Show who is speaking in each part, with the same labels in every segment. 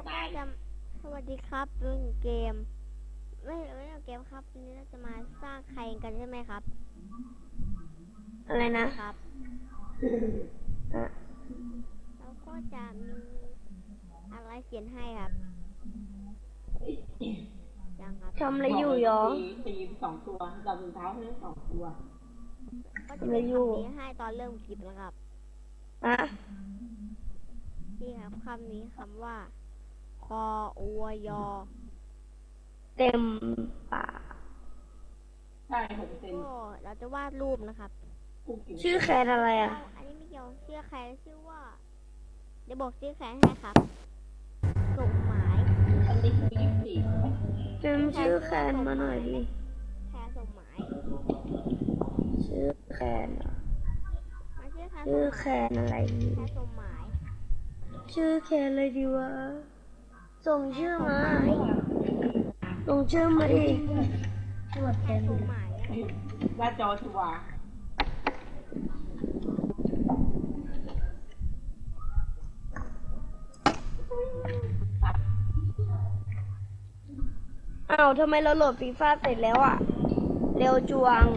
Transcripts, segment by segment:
Speaker 1: ก็จะสวัสดีครับเล่นเกมไม่เล่นเกมครับวันนี้เราจะมาสร้างใครกันใช่ไหมครับ
Speaker 2: อะไรนะครับ
Speaker 1: แล้วก็จะมีอะไรเขียนให้ครับยังครับ
Speaker 2: ทำอะไรอยู่หรอ
Speaker 3: ตีสองตัวจับรองเท้าให้สองตัว
Speaker 1: ก็จะมีคำนี้ให้ตอนเริ่มคลิปนะครับนี่ครับคำนี้คำว่าคออวยอ
Speaker 2: เต็มปาก
Speaker 3: ใช่6%
Speaker 1: ก็เราจะวาดรูปนะครับ
Speaker 2: ชื่อแคนอะไรอ่ะ
Speaker 1: อันนี้ไม่เกี่ยวชื่อใครชื่อว่าเดี๋ยวบอกชื่อใครให้ครับสมหมาย
Speaker 3: อันนี้คือ24
Speaker 2: จำชื่อแคนมาหน่อยดิ
Speaker 1: แคร์สมหมาย
Speaker 2: ชื่อแคนเหรอ
Speaker 1: ชื่อแคร์สมหมาย
Speaker 2: ชื่อแคนอะไรดี
Speaker 1: แคร์สมหมาย
Speaker 2: ชื่อแคนเลยดีวะส่งชื่อมาส่งชื่อมาดิ
Speaker 1: แคร์สมหมายนะ
Speaker 3: หน้าจอชัวร์
Speaker 2: อ้าวทำไมเราโหลดฟีฟ่าเสร็จแล้วอ่ะเร็วจวง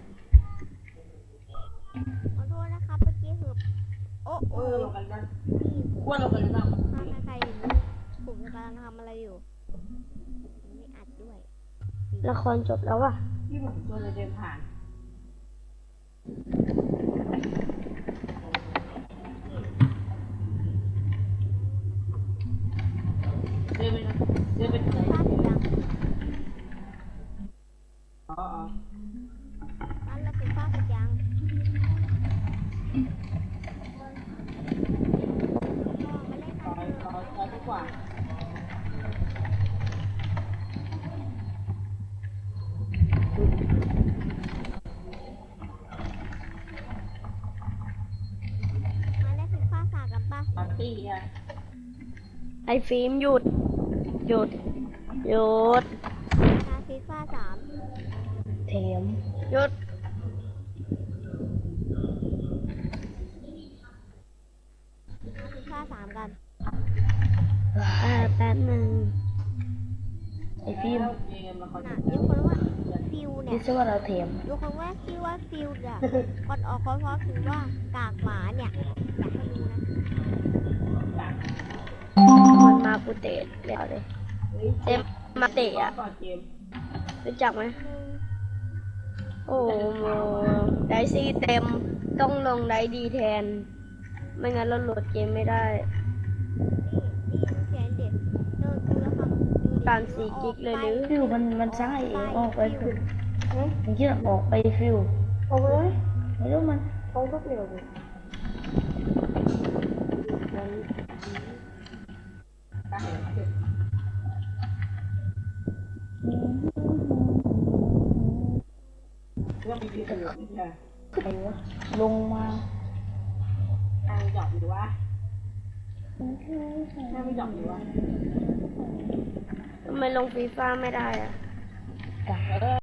Speaker 1: ขอโทษนะครับเมื่อกี้คือโอ้โห
Speaker 3: ลงกันบ้างว่าลงกันบ้าง
Speaker 1: ใครอยู่ผมกำลังทำอะไรอยู่ไม่อัดด้วย
Speaker 2: ละครจบแล้วอ่ะ
Speaker 3: ที่ผมตัวเลยเดินผ่านเดินไปนะเดินไปไหน
Speaker 1: ภาพยัง
Speaker 3: อ๋อ
Speaker 1: อันเราเป็นภาพยังมาเล่นกันเถอะ
Speaker 3: ร้อยกว่า
Speaker 1: มาเล่นเป็นภาษากันป่ะ
Speaker 3: ปาร์ตี้อ่ะ
Speaker 2: ไอฟิล์มหยุดหยุดหยุด
Speaker 1: นาฟีฟ่า3
Speaker 2: เทมหยุด
Speaker 1: นาฟีฟ่า3กัน
Speaker 2: แป๊บหนึ่งไอฟิล์ม
Speaker 3: เกมละคร
Speaker 1: น่ะยกคนว่าฟิวเนี่
Speaker 2: คิ
Speaker 1: ย
Speaker 2: ดซะว่าเราเทม
Speaker 1: ยกคนว่าชื่อว่าฟิวเนี่ยก่อนออกคอร์สคือว่ากากหมาเนี่ยอยากให้รู้นะ
Speaker 2: มันมาปูเตะแล้วเลยเต็มมาเตะอ่ะรู้จักไหมโอ้โหไดซี่เต็มต้องลงไดดีแทนไม่งั้นเราโหลดเกมไม่ได้
Speaker 1: นี่เขียนเด็กเดินดูแล้วครับ
Speaker 2: การ4 กิกเลยหรือ
Speaker 4: ฟิวมันสร้างไอเองออกไปฟิวมันคิดว่าออกไปฟิวออกเลยไม่รู้มันเขาก็เปลี่ยวเลย
Speaker 3: เรื่องมีดีสุดเนี่ย
Speaker 4: ใครวะลงมา
Speaker 3: ทางหยอกหรือว่าถ้าไม่หยอกหรือว่า
Speaker 2: ทำไมลงฟีฟ่าไม่ได้อ่ะ
Speaker 4: กะ